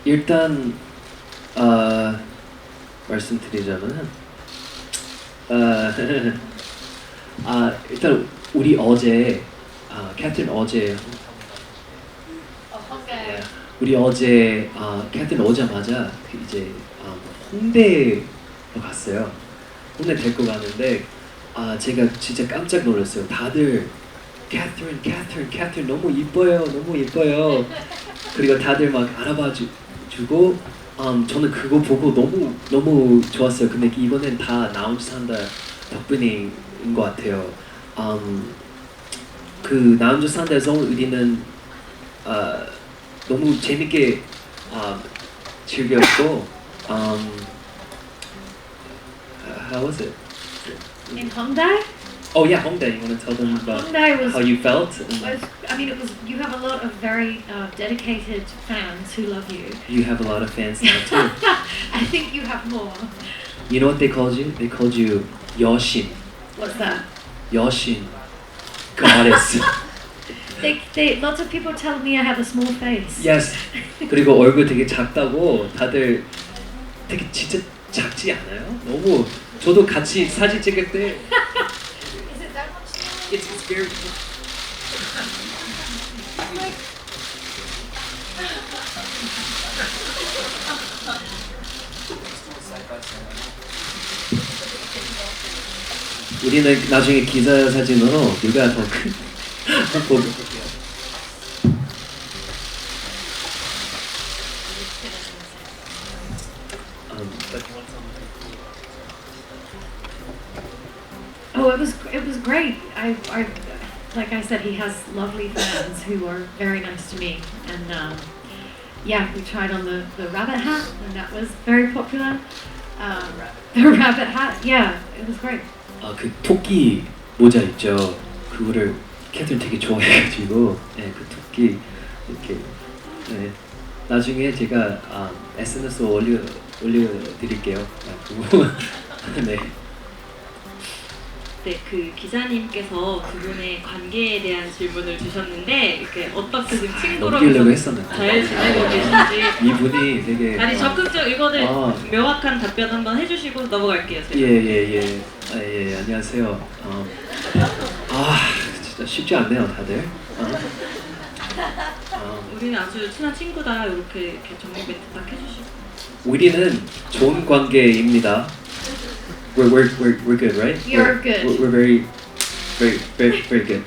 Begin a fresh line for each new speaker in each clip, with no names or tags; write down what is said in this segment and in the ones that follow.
일단 어, 말씀드리자면 어, 일단 우리 어제 캐트린 어제
Okay.
우리 어제 캐트린 오자마자 이제 홍대로 갔어요. 홍대 데리고 가는데 제가 진짜 깜짝 놀랐어요. 다들 캐트린 너무 이뻐요, 너무 이뻐요. 그리고 다들 막 알아봐 주고 저는 그거 보고 너무 좋았어요. 근데 이거는 다 나 혼자 산다 덕분인 것 같아요. 그 나 혼자 산다에서 우리는 너무 재밌게 즐겼고 how was it?
In Hongdae?
Oh yeah, Hongdae. You want to tell them about
Hongdae was,
how you felt?
it was, you have a lot of very dedicated fans who love you.
You have a lot of fans now too.
I think you have more.
You know what they called you? They called you 여신.
What's that?
여신. Goddess.
Lots of people tell me I have a small face.
Yes. 그리고 얼굴 되게 작다고 다들 되게 진짜 작지 않아요? 너무 저도 같이 사진 찍을 때
Is it that much smaller?
it's very 우리는 나중에 기사 사진으로 누가 더 큰 보고 볼게요. But you want something?
Oh, it was great. I like I said, he has lovely fans who are very nice to me, and yeah, we tried on the rabbit hat, and that was very popular. The rabbit hat, yeah, it was great.
그 토끼 모자 있죠. 그거를 캐트린 되게 좋아해가지고 그 토끼 이렇게 나중에 제가 SNS 올려드릴게요. 그거 네.
네, 그 기자님께서 두 분의 관계에 대한 질문을 주셨는데 이렇게 어떻게 지금 친구로
넘기려고 했었는데
잘 지내고 계신지
이분이 되게
아니 적극적 이거는 명확한 답변 한번 해주시고 넘어갈게요. 제가.
예, 안녕하세요. 진짜 쉽지 않네요, 다들.
우리는 아주 친한 친구다 이렇게 정리 멘트 딱 해주시고.
우리는 좋은 관계입니다. We're good, right?
You're good.
We're very good.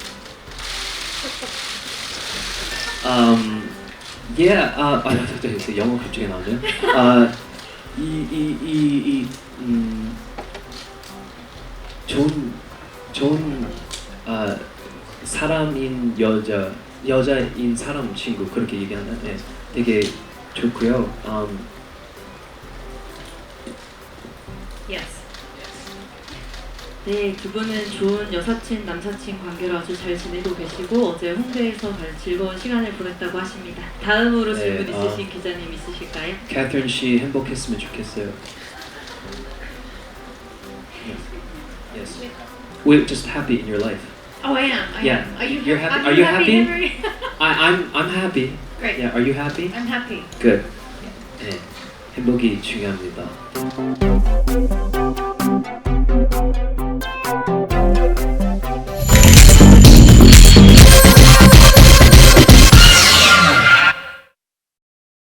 Yeah. 영어 갑자기 나오죠. 좋은 사람인 여자인 사람 친구 그렇게 얘기하나? 네, 되게 좋고요.
Yes.
네, 두 분은 좋은 여사친, 남사친 관계로 아주 잘 지내고 계시고 어제 홍대에서 즐거운 시간을 보냈다고 하십니다. 다음으로
네,
질문 있으신 기자님 있으실까요?
캐트린 씨 행복했으면 좋겠어요. Yes. We're just happy in your life.
Oh, I am. I
Yeah.
am. Are you
You're happy?
Are you happy, Henry?
I'm happy.
Great.
Yeah. Are you happy?
I'm happy.
Good. 네. 행복이 중요합니다.